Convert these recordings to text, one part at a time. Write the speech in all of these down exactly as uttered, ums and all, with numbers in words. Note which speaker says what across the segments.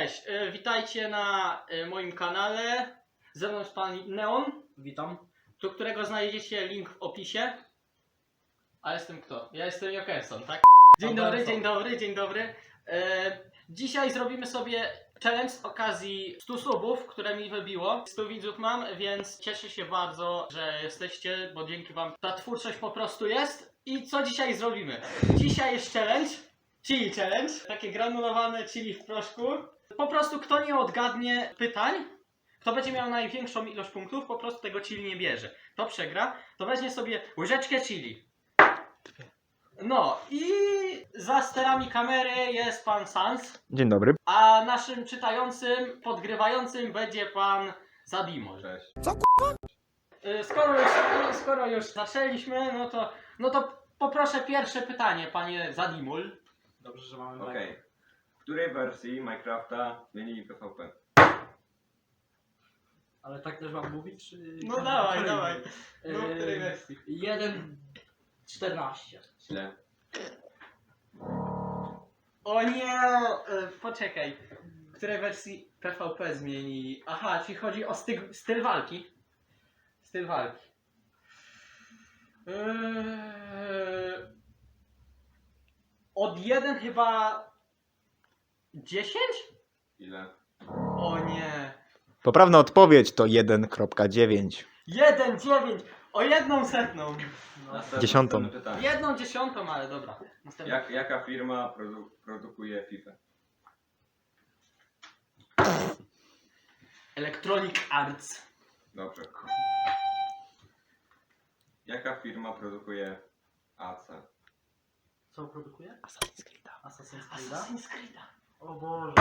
Speaker 1: Cześć, y, witajcie na y, moim kanale. Ze mną jest pan Neon,
Speaker 2: Witam.
Speaker 1: do którego znajdziecie link w opisie. A jestem kto? Ja jestem Jokerson, tak? Dzień dobry,
Speaker 2: Jokerson.
Speaker 1: dzień dobry, dzień dobry. Y, dzisiaj zrobimy sobie challenge z okazji stu subów, które mi wybiło. stu widzów mam, więc cieszę się bardzo, że jesteście, bo dzięki wam ta twórczość po prostu jest. I co dzisiaj zrobimy? Dzisiaj jest challenge. Chili challenge, takie granulowane chili w proszku. Po prostu kto nie odgadnie pytań, kto będzie miał największą ilość punktów, po prostu tego chili nie bierze. Kto przegra, to weźmie sobie łyżeczkę chili. No i za sterami kamery jest pan Sans,
Speaker 3: Dzień dobry.
Speaker 1: a naszym czytającym, podgrywającym będzie pan Zadimo.
Speaker 4: Cześć.
Speaker 1: Y, Skoro już, skoro już zaczęliśmy, no to, no to poproszę pierwsze pytanie, panie Zadimul.
Speaker 2: Dobrze, że mamy
Speaker 4: Okej.
Speaker 2: okay.
Speaker 4: W której wersji Minecrafta zmienili P V P?
Speaker 2: Ale tak też mam mówić, czy...
Speaker 1: No dawaj, dawaj.
Speaker 2: Yy,
Speaker 1: No, w której wersji?
Speaker 2: jeden czternaście.
Speaker 4: Źle.
Speaker 1: O nie! E, poczekaj. W której wersji P V P zmieni? Aha, czyli chodzi o styl, styl walki. Styl walki. Eee, od jeden chyba dziesięć?
Speaker 4: Ile?
Speaker 1: O nie.
Speaker 3: Poprawna odpowiedź to jeden kropka dziewięć.
Speaker 1: jeden dziewięć. O jedną setną.
Speaker 2: No.
Speaker 4: Następne-
Speaker 3: Dziesiątą.
Speaker 4: następne pytanie.
Speaker 1: Jedną dziesiątą, ale dobra. Następny.
Speaker 4: Jak, jaka firma produ produkuje FIFA?
Speaker 1: Electronic Arts.
Speaker 4: Dobrze. Jaka firma produkuje A C?
Speaker 2: Co produkuje?
Speaker 3: Assassin's Creed.
Speaker 2: Assassin's Creed?
Speaker 1: Assassin's Creed.
Speaker 2: O Boże.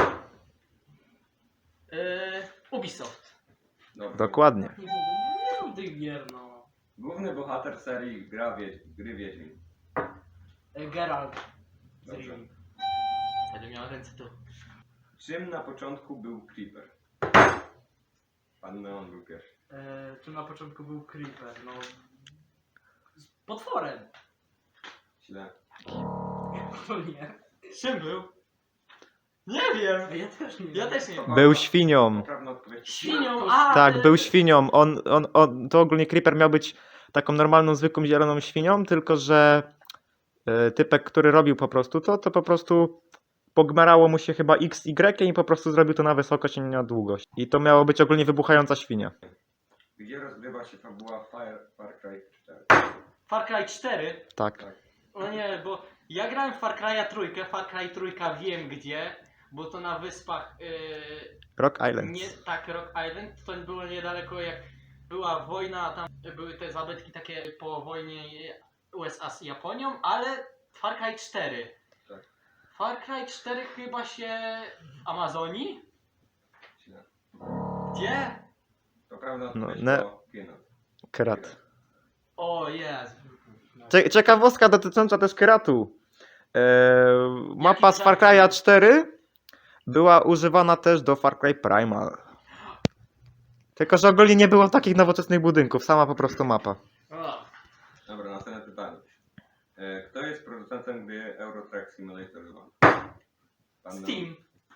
Speaker 1: Yy, Ubisoft.
Speaker 4: Dobrze.
Speaker 3: Dokładnie.
Speaker 2: Nie mówię, nie tych gier, no.
Speaker 4: Główny bohater serii gra Wiedź gry Wiedźmin.
Speaker 2: E, Geralt. z
Speaker 4: Dobrze.
Speaker 2: Rivii.
Speaker 1: Będę miał ręce tu.
Speaker 4: Czym na początku był Creeper? Pan Neon był pierwszy.
Speaker 2: E, czym na początku był Creeper, no... Z potworem.
Speaker 4: Źle.
Speaker 2: To nie.
Speaker 1: Czym był? Nie wiem.
Speaker 2: A ja też nie wiem.
Speaker 1: Ja też nie wiem.
Speaker 3: Był świnią.
Speaker 4: Poprawna odpowiedź.
Speaker 1: Świnią, a
Speaker 3: Tak,
Speaker 1: y,
Speaker 3: był świnią. On, on, on, to ogólnie Creeper miał być taką normalną, zwykłą, zieloną świnią, tylko że e, typek, który robił po prostu to, to po prostu pogmarało mu się chyba X, Y i po prostu zrobił to na wysokość, a nie na długość. I to miało być ogólnie wybuchająca świnia.
Speaker 4: Gdzie rozgrywa się fabuła Fire, Far Cry cztery?
Speaker 1: Far Cry cztery.
Speaker 3: Tak.
Speaker 4: Tak.
Speaker 1: O nie, bo ja grałem w Far Cry'a trójkę, Far Cry trójka wiem gdzie, bo to na wyspach, yy,
Speaker 3: Rock Island.
Speaker 1: nie, tak, Rock Island, to było niedaleko jak była wojna, a tam były te zabytki takie po wojnie U S A z Japonią, ale Far Cry cztery.
Speaker 4: Tak.
Speaker 1: Far Cry cztery chyba się w Amazonii?
Speaker 4: Źle.
Speaker 1: Gdzie?
Speaker 4: Poprawna
Speaker 3: No,
Speaker 4: odpowiedź
Speaker 3: ne-
Speaker 4: to Pinot.
Speaker 3: Kerat.
Speaker 1: O Jezu.
Speaker 3: Cie- Ciekawostka dotycząca też Keratu. E, mapa
Speaker 1: Jaki
Speaker 3: z Far Cry'a cztery była używana też do Far Cry Primal. Tylko że ogólnie nie było takich nowoczesnych budynków, sama po prostu mapa.
Speaker 1: O.
Speaker 4: Dobra, następne pytanie. E, Kto jest producentem gry Euro Truck Simulator dwa? Pan
Speaker 1: Steam.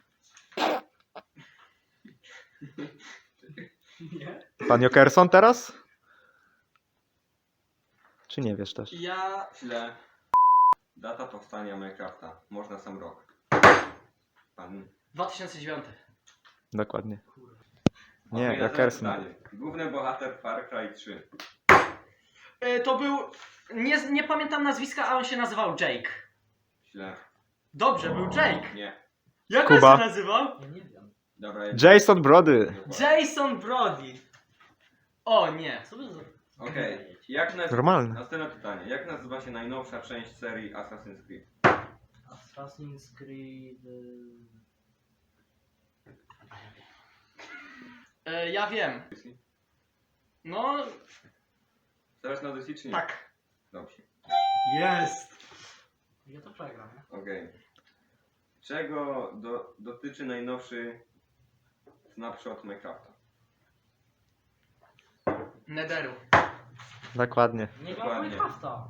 Speaker 2: Nie?
Speaker 3: Pan Jokerson teraz? Czy nie wiesz też?
Speaker 1: Ja...
Speaker 4: Neon. Źle. Data powstania Minecrafta. Można sam rok. Pan...
Speaker 1: dwa tysiące dziewiąty.
Speaker 3: Dokładnie.
Speaker 2: Kurwa.
Speaker 3: Nie,
Speaker 4: Okej, następne
Speaker 3: Jokerson.
Speaker 4: pytanie. Główny bohater Far Cry trzy.
Speaker 1: E, to był... Nie, nie pamiętam nazwiska, a on się nazywał Jake.
Speaker 4: Źle.
Speaker 1: Dobrze, był Jake.
Speaker 4: Nie.
Speaker 1: Jak on
Speaker 3: Kuba.
Speaker 1: się nazywał?
Speaker 2: Ja nie wiem.
Speaker 4: Dobra, jest...
Speaker 3: Jason Brody.
Speaker 4: Dokładnie.
Speaker 1: Jason Brody. O nie.
Speaker 2: Co wy za...
Speaker 4: Okej. Jak naz...
Speaker 3: Normalne.
Speaker 4: Następne pytanie. Jak nazywa się najnowsza część serii Assassin's Creed?
Speaker 2: Assassin's Creed... y,
Speaker 1: E, ja wiem. No,
Speaker 4: Teraz na Odyssey czy nie?
Speaker 1: tak.
Speaker 4: Dobrze.
Speaker 1: Jest.
Speaker 2: Ja to przegram, nie?
Speaker 4: Okej. Czego do, dotyczy najnowszy snapshot Minecrafta?
Speaker 1: Netheru.
Speaker 3: Dokładnie.
Speaker 2: Nie gram
Speaker 4: Dokładnie.
Speaker 2: Minecrafta.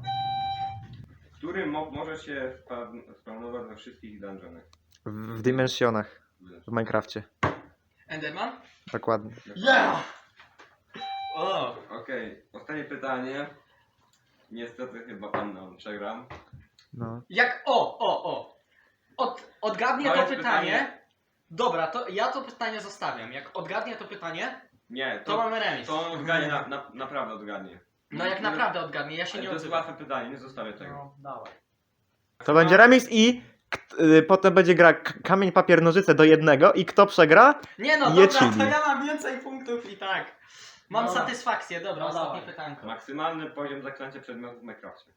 Speaker 4: Który mob może się spa- spawnować we wszystkich dungeonach?
Speaker 3: W, w Dimensionach. w Minecrafcie.
Speaker 1: Enderman?
Speaker 3: Dokładnie.
Speaker 1: Yeah! O!
Speaker 4: Okej, ostatnie pytanie. Niestety chyba pan nam przegram.
Speaker 3: No.
Speaker 1: Jak. O, o, o! Od, odgadnie
Speaker 4: To
Speaker 1: to
Speaker 4: jest
Speaker 1: pytanie.
Speaker 4: pytanie.
Speaker 1: Dobra, to ja to pytanie zostawiam. Jak odgadnie to pytanie,
Speaker 4: Nie,
Speaker 1: to
Speaker 4: to,
Speaker 1: mamy remis.
Speaker 4: to on odgadnie, na, na, naprawdę odgadnie.
Speaker 1: No jak naprawdę odgadnie, ja się
Speaker 4: Ale
Speaker 1: nie
Speaker 4: to jest
Speaker 1: odzywam.
Speaker 4: łatwe pytanie, nie zostawię tego.
Speaker 2: No, dawaj.
Speaker 3: To będzie remis i k- y, potem będzie gra k- kamień, papier, nożyce do jednego i kto przegra?
Speaker 1: Nie no,
Speaker 3: Je
Speaker 1: dobra,
Speaker 3: chili.
Speaker 1: to ja mam więcej punktów i tak. Mam
Speaker 2: Dobra.
Speaker 1: satysfakcję, dobra,
Speaker 2: No
Speaker 1: ostatnie
Speaker 2: dawaj.
Speaker 1: pytanko.
Speaker 4: Maksymalny poziom zaklęcia przedmiotów w Minecrafcie.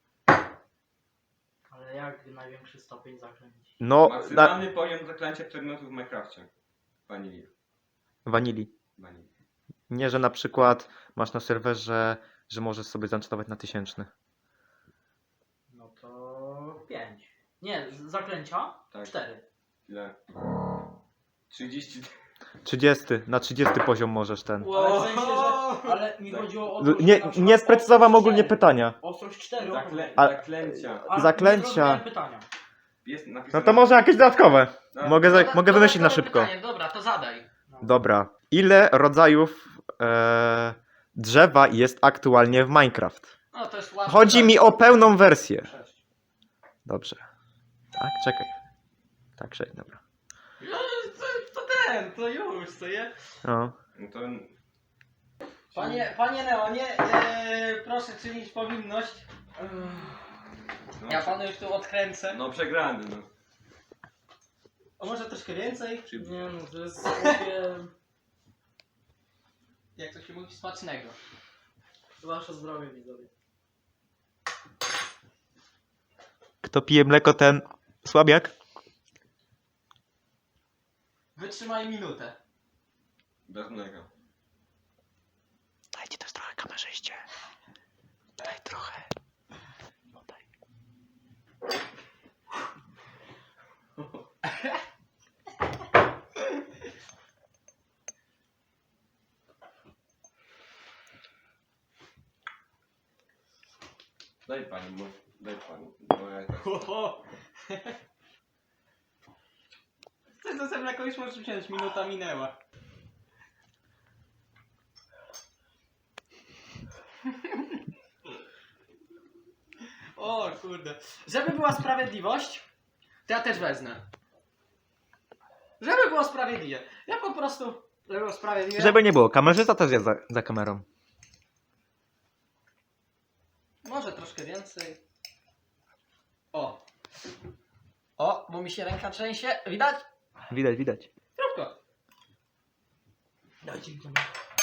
Speaker 2: Ale jak największy stopień zaklęć?
Speaker 3: No, na
Speaker 4: Maksymalny poziom zaklęcia przedmiotów w Minecrafcie. Vanili.
Speaker 3: wanili.
Speaker 4: Vanili.
Speaker 3: Nie, że na przykład masz na serwerze, że możesz sobie zanczować na tysięczny.
Speaker 2: No to pięć. Nie, z- zaklęcia?
Speaker 4: Tak.
Speaker 2: Cztery.
Speaker 4: Ile? trzydzieści.
Speaker 3: trzydziesty, na trzydziesty poziom możesz ten.
Speaker 2: Ale w sensie, że... Ale mi
Speaker 4: Tak.
Speaker 2: chodziło o to, że
Speaker 3: Nie,
Speaker 2: na przykład
Speaker 3: nie sprecyzowałem
Speaker 2: ostrość
Speaker 3: ogólnie
Speaker 2: cztery.
Speaker 3: pytania.
Speaker 2: Ostrość cztery.
Speaker 4: Zakle...
Speaker 3: A-
Speaker 4: Zaklęcia.
Speaker 2: Ale
Speaker 3: zaklęcia.
Speaker 2: nie zrozumiałem pytania.
Speaker 4: Jest napisane...
Speaker 3: No to może jakieś dodatkowe.
Speaker 4: No,
Speaker 3: Mogę, za,
Speaker 1: Doda-
Speaker 3: mogę wymyślić na
Speaker 1: dodatkowe
Speaker 3: szybko.
Speaker 1: Pytanie. Dobra, to zadaj.
Speaker 2: No.
Speaker 3: Dobra. Ile rodzajów e, drzewa jest aktualnie w Minecraft?
Speaker 1: No to jest łatwe.
Speaker 3: Chodzi mi o pełną wersję.
Speaker 2: Sześć.
Speaker 3: Dobrze. Tak, czekaj. Tak, czekaj, dobra.
Speaker 1: No, to, to ten, to już, co je?
Speaker 3: No.
Speaker 4: No to...
Speaker 1: Panie, panie Leonie, e, proszę czynić powinność.
Speaker 4: No,
Speaker 1: Ja panu już tu odkręcę.
Speaker 4: No przegrany, no.
Speaker 1: A może troszkę więcej?
Speaker 4: Czy...
Speaker 2: Nie no, to jest sobie...
Speaker 1: Jak to się mówi, smacznego.
Speaker 2: Wasze zdrowie, widzowie.
Speaker 3: Kto pije mleko, ten słabiak?
Speaker 1: Wytrzymaj minutę.
Speaker 4: Bez mleka.
Speaker 3: Dajcie też trochę kamerzyście. Daj trochę. No daj.
Speaker 4: Daj pani, bo... Daj pani. Bo ja tak...
Speaker 1: Oho. Chcesz do sobie mleko już możesz wziąć, minuta minęła. O kurde. Żeby była sprawiedliwość, to ja też wezmę. Żeby było sprawiedliwie. Ja po prostu, żeby było sprawiedliwie.
Speaker 3: Żeby nie było, kamerzysta też jest za, za kamerą.
Speaker 1: Może troszkę więcej. O. O, bo mi się ręka trzęsie. Widać?
Speaker 3: Widać, widać.
Speaker 1: Krótko.
Speaker 2: Dajcie mi to.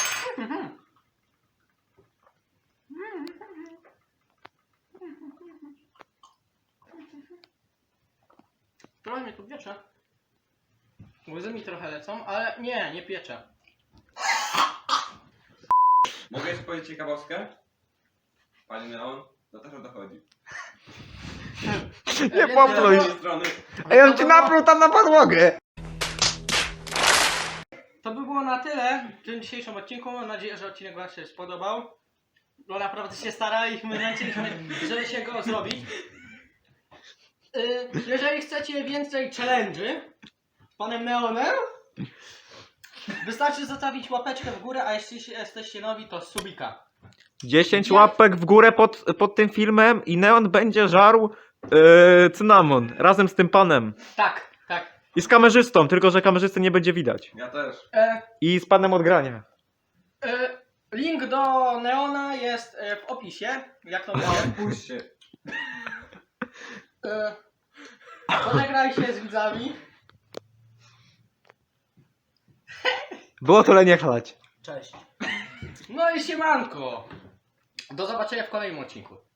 Speaker 1: Trochę mnie tu piecze. Łzy mi trochę lecą, ale nie, nie piecze.
Speaker 4: Mogę jeszcze powiedzieć ciekawostkę? Pani Leon? To też o to chodzi.
Speaker 3: Nie
Speaker 1: Więc
Speaker 3: popluj.
Speaker 1: ja-
Speaker 4: Z drugiej strony...
Speaker 3: Ej, on ci napluł tam na podłogę.
Speaker 1: To by było na tyle w tym dzisiejszym odcinku. Mam nadzieję, że odcinek Wam się spodobał. Bo naprawdę się staraliśmy, męczyliśmy, żeby się go zrobić. Y, Jeżeli chcecie więcej challenge'y z panem Neonem, wystarczy zostawić łapeczkę w górę, a jeśli jesteście nowi, to subika.
Speaker 3: dziesięć łapek w górę pod, pod tym filmem i Neon będzie żarł yy, cynamon razem z tym panem.
Speaker 1: Tak, tak.
Speaker 3: I z kamerzystą, tylko że kamerzysty nie będzie widać.
Speaker 4: Ja też.
Speaker 1: E,
Speaker 3: I z panem od grania.
Speaker 1: e, link do Neona jest e, w opisie. Jak to mówię?
Speaker 4: Puść się.
Speaker 1: E, Pożegnaj się z widzami.
Speaker 3: Było tyle nie chlać.
Speaker 2: Cześć.
Speaker 1: No i siemanko. Do zobaczenia w kolejnym odcinku.